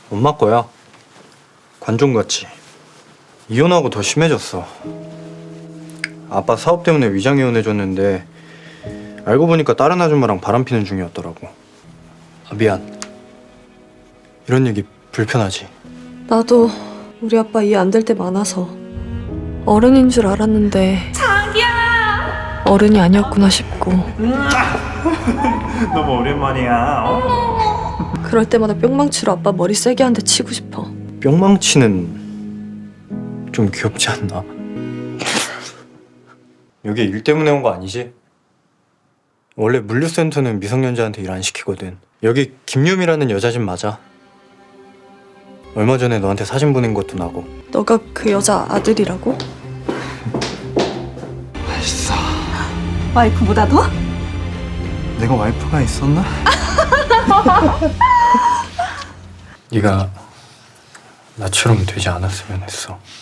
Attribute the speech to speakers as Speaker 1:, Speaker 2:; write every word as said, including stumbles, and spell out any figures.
Speaker 1: 엄마 거야. 관종같이. 이혼하고 더 심해졌어. 아빠 사업 때문에 위장 이혼해줬는데 알고 보니까 다른 아줌마랑 바람피는 중이었더라고. 아, 미안. 이런 얘기 불편하지?
Speaker 2: 나도 우리 아빠 이해 안 될 때 많아서 어른인 줄 알았는데 자기야 어른이 아니었구나 싶고
Speaker 3: 너무 오랜만이야. 어?
Speaker 2: 그럴 때마다 뿅망치로 아빠 머리 세게 한 대 치고 싶어.
Speaker 1: 뿅망치는 좀 귀엽지 않나? 여기 일 때문에 온 거 아니지? 원래 물류센터는 미성년자한테 일 안 시키거든. 여기 김유미라는 여자 집 맞아. 얼마 전에 너한테 사진 보낸 것도 나고.
Speaker 2: 너가 그 여자 아들이라고?
Speaker 1: 맛있어.
Speaker 2: 와이프보다 더?
Speaker 1: 내가 와이프가 있었나? 네가 나처럼 되지 않았으면 했어.